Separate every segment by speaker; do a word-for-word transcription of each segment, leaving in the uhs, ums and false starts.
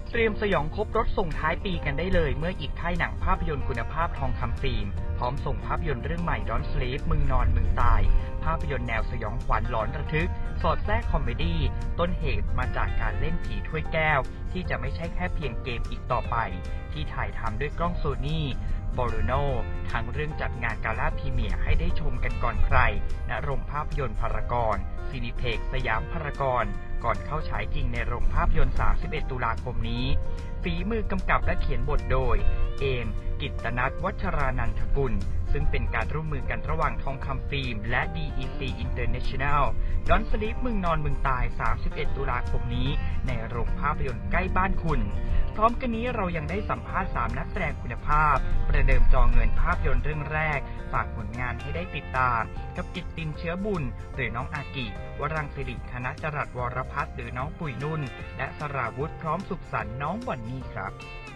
Speaker 1: เตรียมสยองครบรถส่งท้ายปีกันได้เลยเมื่ออีกค่ายหนังภาพยนตร์คุณภาพทองคำฟิล์มพร้อมส่งภาพยนตร์เรื่องใหม่ Don't Sleep มึงนอนมึงตายภาพยนตร์แนวสยองขวัญหลอนระทึกสอดแทรกคอมเมดี้ต้นเหตุมาจากการเล่นผีถ้วยแก้วที่จะไม่ใช่แค่เพียงเกมอีกต่อไปที่ถ่ายทำด้วยกล้องโซนี่บอรูโนทั้งเรื่องจัดงานกาล่าพรีเมียร์ให้ได้ชมกันก่อนใครณโรงภาพยนตร์พารากอนซินิเพ็กสยามพารากอนก่อนเข้าฉายจริงในโรงภาพยนตร์ สามสิบเอ็ด ตุลาคมนี้ฝีมือกำกับและเขียนบทโดยเอมกิตตนัทวัชรานันทกุลซึ่งเป็นการร่วมมือกันระหว่างทองคำฟิล์มและ ดี อี ซี International Don't Sleep มึงนอนมึงตาย สามสิบเอ็ด ตุลาคมนี้ในโรงภาพยนตร์ใกล้บ้านคุณพร้อมกันนี้เรายังได้สัมภาษณ์สามนักแสดงคุณภาพประเดิมจอเงินภาพยนตร์เรื่องแรกฝากผลงานให้ได้ติดตามกับกิตตินเชื้อบุญหรือน้องอากิวรังสิริธนจรัสวรพัฒน์หรือน้องปุ๋ยนุ่นและสราวุธพร้อมสุขสันต์น้องบอนนี่ครับ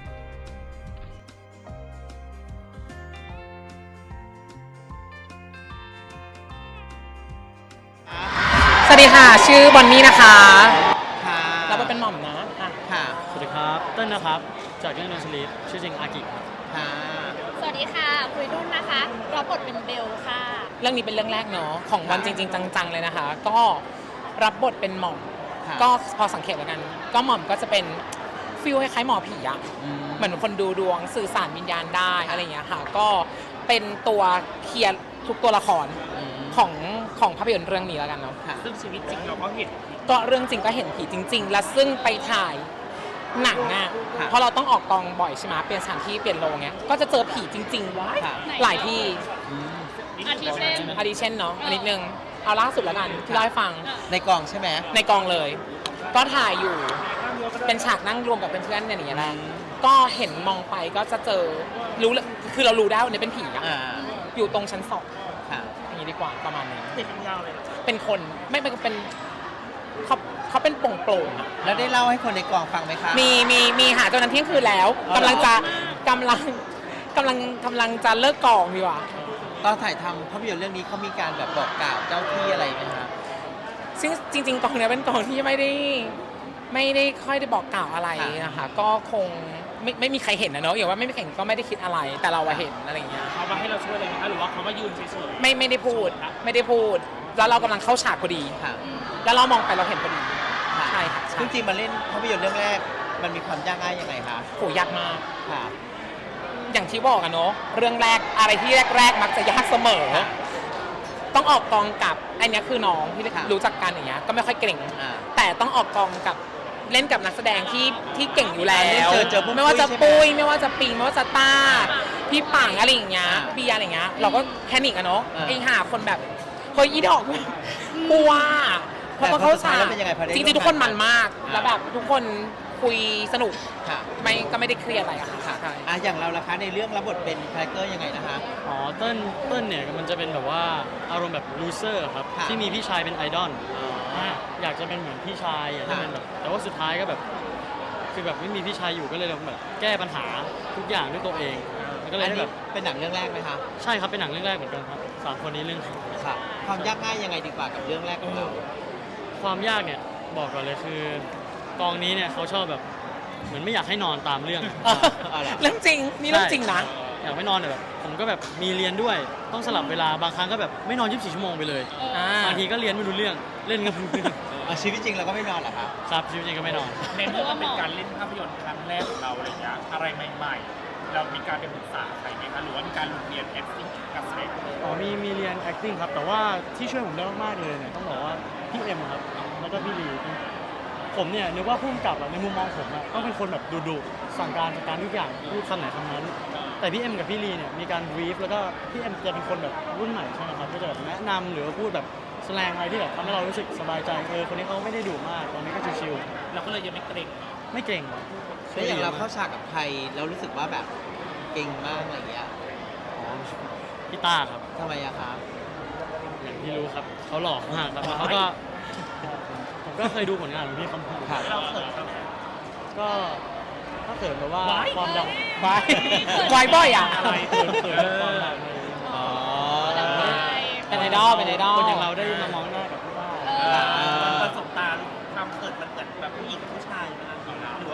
Speaker 2: สวัสดีค่ะชื่อบอนนี่นะคะ
Speaker 3: ค่ะ
Speaker 2: เราเป็นหม่อมนะ
Speaker 3: ค่ะ
Speaker 4: สวัสดีครับเต้นนะครับจากเรื่อง Don't Sleep ชื่อจริงอากิครับ
Speaker 3: ค่ะ
Speaker 5: สวัสดีค่ะคุยนุ่นนะคะรับบทเป็นเบลค่ะ
Speaker 2: เรื่องนี้เป็นเรื่องแรกเนาะของวันจริงๆจังๆเลยนะคะก็รับบทเป็นหม่อมก็พอสังเกตแล้วกันก็หม่อมก็จะเป็นฟีลคล้ายๆหมอผีอะเหมือนคนดูดวงสื่อสารวิญญาณได้อะไรอย่างเงี้ยค่ะก็เป็นตัวเคลียร์ทุกตัวละครของของภาพยนตร์เรื่องนี้แล้วกันเนาะ
Speaker 4: ซึ่งชีวิตจริงเราก็เห็น
Speaker 2: ก็เรื่องจริงก็เห็นผีจริงๆและซึ่งไปถ่ายหนังอ่ะเพราะเราต้องออกกองบ่อยใช่ไหมเปลี่ยนสถานที่เปลี่ยนโรงเงี้ยก็จะเจอผีจริงๆว้ายหลายที่
Speaker 5: อาทิเช่น
Speaker 2: อาทิเช่นเนาะอันนิดนึงเอาล่าสุดแล้วกันที่เล่าให้ฟัง
Speaker 3: ในกองใช่ไหม
Speaker 2: ในกองเลยก็ถ่ายอยู่เป็นฉากนั่งรวมกับเพื่อนๆเนี่ยอย่างเงี้ยแหละก็เห็นมองไปก็จะเจอรู้คือเรารู้ได้ว่าเนี่ยเป็นผีอ่ะอยู่ตรงชั้นสองอย่างนี้ดีกว่าประมาณนี้
Speaker 4: เป็นยาวเลย
Speaker 2: เป็นคนไม่เป็นเป็นเขาเขาเป็นโป่งโปร่ง
Speaker 3: แล้วได้เล่าให้คนในกองฟังไหมคะ
Speaker 2: มีมีมีหาจนนั้นเที่ยงคืนแล้วกำลังจะกำลังกำลังกำลังจะเลิกกองดีกว่า
Speaker 3: ตอนถ่ายทำภาพยนตร์เรื่องนี้เขามีการแบบบอกกล่าวเจ้าที่อะไรไหมคะ
Speaker 2: ซึ่งจริงๆกองนี้เป็นกองที่ไม่ได้ไม่ได้ค่อยได้บอกกล่าวอะไรนะคะก็คงไม่ไม่มีใครเห็นนะเนาะอย่างว่าไม่มีใครเห็นก็ไม่ได้คิดอะไรแต่เราเห็นอะไรอย่างเงี้ย
Speaker 4: เขามาให้เราช่วยอะไรไหมคะหรือว่าเขามายืนเฉย
Speaker 2: ๆไม่ไม่ได้พูดไม่ได้พูดแล้วเรากำลังเข้าฉากพอดีแล้วเรามองไปเราเห็นพอดีใช่ค่ะ
Speaker 3: จริงๆมาเล่นภาพยนตร์เรื่องแรกมันมีความยากง่ายยังไงคะ
Speaker 2: โหยากมาก
Speaker 3: ค่ะ
Speaker 2: อย่างที่บอกอะเนาะเรื่องแรกอะไรที่แรกๆมักจะยากเสมอต้องออกกองกับอันนี้คือน้องที่รู้จักกันอย่างเงี้ยก็ไม่ค่อยเก่งแต่ต้องออกกองกับเล่นกับนักแสดงที่ที่เก่งอยู่แล้วไม่ว่าจะปุ้ยไม่ว่าจะปิงไม่ว่าจะต้าพี่ปังอะไรอย่างเงี้ยพี่อะไรอย่างเงี้ยเราก็แพนิคอะเนาะไอ้หาคนแบบเฮ้ยอีดอกกลัวเพราะเขาฉากจริงๆทุกคนมันมากแล้วแบบทุกคนคุยสนุกไม่ก็ไม่ได้เครียดอะไรอะค่ะ
Speaker 3: อ่ะอย่างเราล่ะคะในเรื่องรับบทเป็นคาแรคเตอร์ยังไงนะคะ
Speaker 4: อ๋อเต้นเต้นเนี่ยมันจะเป็นแบบว่าอารมณ์แบบลูเซอร์ครับที่มีพี่ชายเป็นไอดอลอยากจะเป็นเหมือนพี่ชายอยากจะเป็นแบบแต่ว่าสุดท้ายก็แบบคือแบบไม่มีพี่ชายอยู่ก็เลยแบบแก้ปัญหาทุกอย่างด้วยตัวเองก็เลยแบบ
Speaker 3: เป็นหนังเรื่องแรกไหมคะ
Speaker 4: ใช่ครับเป็นหนังเรื่องแรกเหมือนกันครับสามคนนี้เรื่อง
Speaker 3: ค่ะความยากง่ายยังไงดีกว่ากับเรื่องแรกของเรา
Speaker 4: ความยากเนี่ยบอกก่อนเลยคือกองนี้เนี่ยเขาชอบแบบเหมือนไม่อยากให้นอนตามเรื่อง
Speaker 2: เรื่องจริงนี่เรื่องจริงนะ
Speaker 4: อยากไม่นอนแบบผมก็แบบมีเรียนด้วยต้องสลับเวลาบางครั้งก็แบบไม่นอนยี่สิบสี่ชั่วโมงไปเลยบางทีก็เรียนไม่รู้เรื่องเล่นกัน
Speaker 3: ชีวิตจริงเราก็ไม่นอนเหรอครับ
Speaker 4: ครับชีวิตจริงก็ไม่นอน
Speaker 6: เน้นว่าเป็นการเล่นภาพยนตร์ครั้งแรกของเราอะไรอย่างเงี้ยอะไรใหม่ๆเรามีการไปปรึกษาใครไหมคะหรือว่ามีการเรียน acting การแสดง
Speaker 4: อ๋อมีมีเรียน acting ครับแต่ว่าที่ช่วยผมได้มากๆเลยเนี่ยต้องบอกว่าพี่เอ็มครับแล้วก็พี่ลีผมเนี่ยนึกว่าผู้กำกับในมุมมองผมอะต้องเป็นคนแบบดุๆสั่งการจัดการทุกอย่างพูดคำไหนคำนั้นแต่พี่เอ็มกับพี่ลีเนี่ยมีการบรีฟแล้วก็พี่เอ็มจะเป็นคนแบบรุ่นใหม่ใช่ไหมครับก็จะแบบแนะนำหรือว่าพูดแบบแสดงอะไรที่แบบทำให้เรารู้สึกสบายใจเออคนนี้เขาไม่ได้ดุมากตอนนี้ก็ชิว
Speaker 6: ๆเราก็เลยยังไม่เกรง
Speaker 4: ไม่เกรง
Speaker 3: แล้วอย่างเราเข้าฉากกับใครแล้วรู้สึกว่าแบบเก่งมากอะไรอย่างเงี้ย
Speaker 4: อ๋อพี่ต้าครับ
Speaker 3: ทำไมอะครับ
Speaker 4: อย่างที่รู้ครับเขาหล่อมากครับเขาก็ผมก็เคยดูผลงานของพี่เขา
Speaker 3: ครับ
Speaker 4: ก็ถ้าเกิดแบบว่าความดัง
Speaker 2: วาย วายบ่อยอ่ะ
Speaker 4: อะไรเขินเขินความดัง
Speaker 3: อ๋อ
Speaker 2: เป็นไอดอลเป็นไอดอล
Speaker 4: คนอย่างเราได้มามองหน้ากับพี่ต้า
Speaker 6: ประสบการณ์ความเขินมันเกิดแบบผู้หญิงผู้ชายนะหรือว่า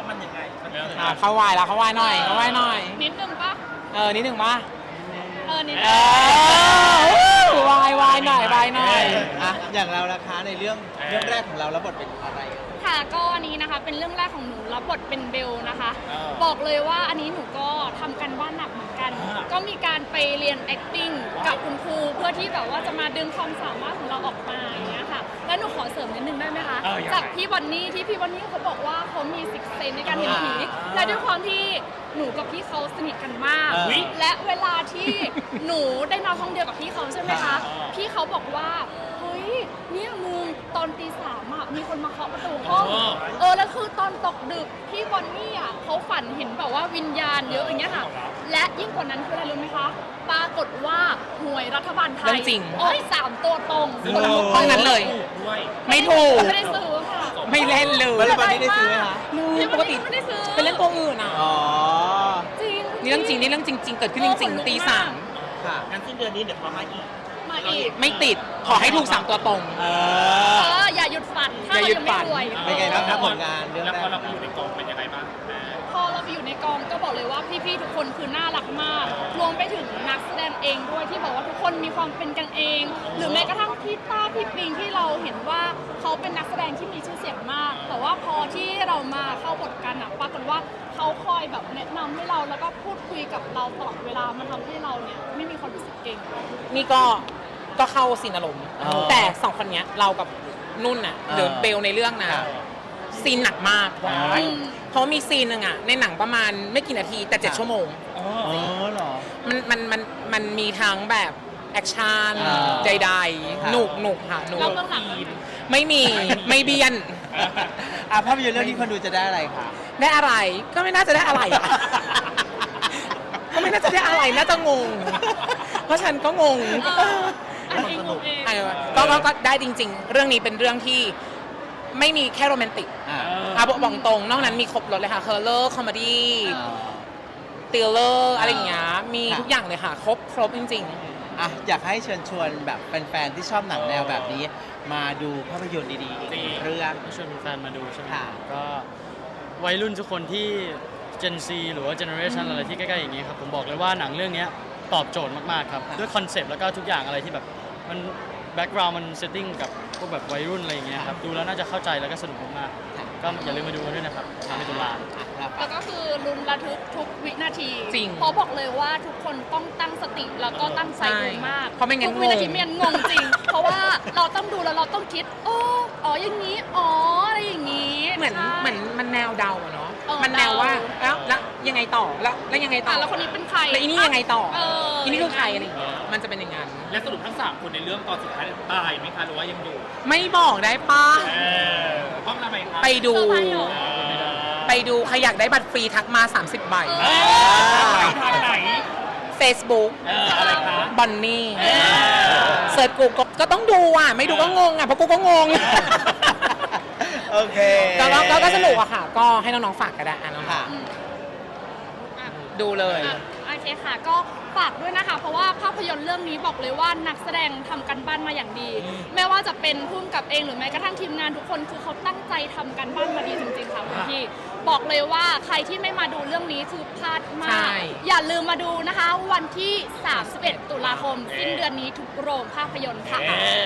Speaker 3: มันยังไงมัน
Speaker 6: เรื่อง
Speaker 2: อ่ะเข้าวายแล้วเข้าวายหน่อยเข้าวายหน่อย
Speaker 5: นิดนึงปะ
Speaker 2: เออนิดหนึ่งป่ะ
Speaker 5: เออนิด
Speaker 2: เอ
Speaker 5: นึง
Speaker 2: อวายวายหน่อยวายหน่อย
Speaker 3: อ่ะอย่างเราราคาในเรื่องเรื่องแรกของเราแล้วบทเป็นอะไร
Speaker 5: ค่ะก็อันนี้นะคะเป็นเรื่องแรกของหนูรับบทเป็นเบลนะคะ
Speaker 6: เออ
Speaker 5: บอกเลยว่าอันนี้หนูก็ทำกันบ้านหนักเหมือนกัน
Speaker 6: อ่า
Speaker 5: ก็มีการไปเรียน acting กับคุณครูเพื่อที่แบบว่าจะมาดึงความสามารถของเราออกมาอย่างเงี้ยค่ะ แล้วหนูขอเสริมนิดนึงได้ไหมคะ
Speaker 6: เออยังไง
Speaker 5: จากพี่บอนนี่ที่พี่บอนนี่เขาบอกว่าเขามีสิกเซนในการเห็นผี
Speaker 6: อ่า
Speaker 5: และด้วยความที่หนูกับพี่เขาสนิทกันมาก
Speaker 3: เออ
Speaker 5: และเวลาที่หนูได้นอนห้องเดียวกับพี่เขาใช่ไหมคะ
Speaker 6: อ่า
Speaker 5: พี่เขาบอกว่าเฮ้ยเนี่ยมึงตอนตีสามอ่ะมีคนมาเคาะประตูห้อง
Speaker 6: อ๋อ
Speaker 5: เออแล้วคือตอนตกดึกพี่บอนนี่อ่ะเขาฝันเห็นแบบว่าวิญญาณเยอะอย่างเงี้ยค่ะ และยิ่งกว่านั้นคืออะไรรู้ไหมคะ ปรากฏว่าหวยรัฐบาลไท
Speaker 2: เรื่
Speaker 5: ย
Speaker 2: องจริง
Speaker 5: ออกสามตัวตรง
Speaker 6: ซึ่ง
Speaker 5: คนละ
Speaker 6: เรา
Speaker 5: หก
Speaker 2: ห้องนั้นเลย
Speaker 6: ด้วย
Speaker 2: ไม่ถูก
Speaker 5: ไม่ได้ซื้อค่ะ
Speaker 2: ไม่เล่นเลย
Speaker 3: แล้ววันนี้ได้ซื้อไหมคะ
Speaker 5: พี่บ
Speaker 2: ป
Speaker 5: อน
Speaker 2: กติ
Speaker 5: นี่ไม่ได้ซื้อ
Speaker 2: เป็นเล่นตัวอื่นอ่ะ
Speaker 3: อ๋อ
Speaker 5: จริง
Speaker 2: นี่เรื่องจริงนี่เรื่องจริง ๆ เกิดขึ้นจริงๆตีสาม
Speaker 3: ค่ะ
Speaker 6: งั้นสิ้นเดือนนี้เดี๋ยวเขามาอีก
Speaker 5: มาอีก
Speaker 2: ไม่ติดขอให้ถูกสามตัวตรง
Speaker 3: เอ
Speaker 5: เอ
Speaker 3: อ
Speaker 5: ออย่าหยุดฝันถ้า
Speaker 2: อย่า
Speaker 5: เรา
Speaker 2: หยุด
Speaker 5: ยังไม่
Speaker 2: ฝัน
Speaker 5: รวย
Speaker 3: เป็นไงบ้างครับผลงานเรื่อง
Speaker 6: แล้ว
Speaker 3: แร
Speaker 6: พอก เราไปอยู่ในกองเป็นยังไงบ้างแม่
Speaker 5: พอเราไปอยู่ในกองก็บอกเลยว่าพี่ๆทุกคนคือน่ารักมาก รวมไปถึงนักแสดงเองด้วยที่บอกว่าทุกคนมีความเป็นกันเอง หรือแม้กระทั่งพี่ต้าพี่ปิงที่เราเห็นว่าเขาเป็นนักแสดงที่มีชื่อเสียงมาก แต่ว่าพอที่เรามาเข้าบทกันอะปรากฏว่าเขาคอยแบบแนะนำให้เราแล้วก็พูดคุยกับเราตลอดเวลามันทำให้เราเนี่ยไม่มีความรู้สึกเก่ง
Speaker 2: นี่ก็ก็เข้าซีนอารมณ์
Speaker 3: อ๋อ
Speaker 2: แต่สองคนเนี้ยเรากับนุ่นน่ะ
Speaker 3: อ่า
Speaker 2: หรือเบลในเรื่องนะซีนหนักมาก
Speaker 3: ว้าย
Speaker 2: เพราะมีซีนหนึ่งอ่ะในหนังประมาณไม่กี่นาทีแต่เจ็ด
Speaker 3: ค่ะ
Speaker 2: ชั่วโมง
Speaker 6: อ๋อ
Speaker 3: อ๋อเหรอ
Speaker 2: มันมันมันมันมีทั้งแบบแอคชั่น
Speaker 3: อ่า
Speaker 2: ใด
Speaker 3: ค่ะ
Speaker 2: ๆหนุกหนุกค่ะหนุก
Speaker 5: เราเบื้องหลัง
Speaker 2: ไม่มีไม่เบียน
Speaker 3: อ่ะภาพยนตร์เรื่องนี้คนดูจะได้อะไรคะ
Speaker 2: ได้อะไรก็ไม่น่าจะได้อะไรอะ ก็ไม่น่าจะได้อะไรน่าจะงง เพราะฉันก็งง
Speaker 5: เอออันเองงงเอง
Speaker 2: เออก็ก็ก็ได้จริง ๆ เรื่องนี้เป็นเรื่องที่ไม่มีแค่โรแมนติก
Speaker 3: อ่า
Speaker 2: อ่ะบอกบอกตรงนอกนั้นมีครบรถเลยค่ะเคอร์เลอร์คอมเมดี้
Speaker 3: อ่า
Speaker 2: ติลเลอร์อะไรอย่างเงี้ยมี
Speaker 3: ค่ะ
Speaker 2: ทุกอย่างเลยค่ะ ครบครบจริง
Speaker 3: อ่ะอยากให้เชิญชวนแบบแฟนๆที่ชอบหนังแนวแบบนี้ มาดูภาพยนตร์ดีๆอีกหนึ่งเรื่อง
Speaker 4: ชวนแฟนมาดูใช่ไหม
Speaker 3: ค่ะ
Speaker 4: ก็วัยรุ่นทุกคนที่ Gen Z หรือว่า Generation อะไรที่ใกล้ๆอย่างนี้ครับ ผมบอกเลยว่าหนังเรื่องนี้ตอบโจทย์มากๆครับ
Speaker 3: ค่ะ
Speaker 4: ด้วยคอนเซปต์แล้วก็ทุกอย่างอะไรที่แบบมันแบ็กกราวด์มันเซตติ้งกับพวกแบบวัยรุ่นอะไรอย่างเงี้ยครับ ดูแล้วน่าจะเข้าใจแล้วก็สนุกมากๆก็อย่าลืมมาดูกันด้วยนะครับทางในตุลา
Speaker 3: อ่ะครับ
Speaker 5: แล้วก็คือลุ้นระทึกทุกวินาที
Speaker 2: จริง
Speaker 5: เพราะบอกเลยว่าทุกคนต้องตั้งสติแล้วก็ตั้งใจดูมาก
Speaker 2: ใช่เพราะไม่งั้น
Speaker 5: ทุกวินาที
Speaker 2: งง
Speaker 5: ไม่งั้นงงจริง เพราะว่าเราต้องดูแล้วเราต้องคิดโอ้อ๋ออย่างนี้อ๋ออะไรอย่างนี้
Speaker 2: ๆ เหมือน
Speaker 5: ใช่
Speaker 2: เหมือนมันแนวเดาอะเนาะ
Speaker 5: เออ
Speaker 2: มันแนวว่า
Speaker 5: เดา
Speaker 2: แล้วแล้วยังไงต่อแล้วแล้วยังไงต่
Speaker 5: อ่ะ
Speaker 2: อ
Speaker 5: แล้วคนนี้เป็นใคร
Speaker 2: แล้วอีนี่ยังไงต่อ
Speaker 5: เออ
Speaker 2: อีนี่คือใครอะไรอย่างเงี้ยมันจะเป็นอย่างนั้น
Speaker 6: และสรุปทั้งสามคนในเรื่องตอนสุดท้ายตายไหมคะหรือว่ายังอยู่
Speaker 2: ไม่บอกได้ปะ
Speaker 6: เออห้องทำไมคะ
Speaker 2: ไปดู
Speaker 5: เซอร์ไพรส์เหรอ
Speaker 6: เออ
Speaker 2: ไปดูใครอยากได้บัตรฟรีทักมา สามสิบ ใบ
Speaker 5: เอ
Speaker 6: ไปทางไหน
Speaker 2: Facebook
Speaker 6: เอออะไรคะ
Speaker 2: บอนนี่
Speaker 6: เออ
Speaker 2: เสิร์ชกูก็ก็ต้องดูอ่ะ ไม่ดูก็งงอ่ะ เพราะกูก็งง
Speaker 3: โอเค
Speaker 2: ก็ก็ก็ก็สนุกอะค่ะ ก็ให้น้องๆฝากก็ได้อ่ะน้อง
Speaker 3: ค่ะ
Speaker 5: อืมอ่ะ
Speaker 2: ๆดูเลย
Speaker 5: อ่ะโอเคค่ะ ก็ฝากด้วยนะคะ เพราะว่าภาพยนตร์เรื่องนี้บอกเลยว่านักแสดงทำกันบ้านมาอย่างดี ไม่ว่าจะเป็นผู้กำกับเองหรือแม้กระทั่งทีมงานทุกคนคือเขาตั้งใจทำกันบ้านมาดีจริงๆค่ะคุณพี่บอกเลยว่าใครที่ไม่มาดูเรื่องนี้คือพลาดมา
Speaker 2: ใช่
Speaker 5: ก อย่าลืมมาดูนะคะ วันที่ สามสิบเอ็ด ตุลาคมสิ้นเดือนนี้ทุกโรงภาพยนตร์ค่ะ
Speaker 6: เออ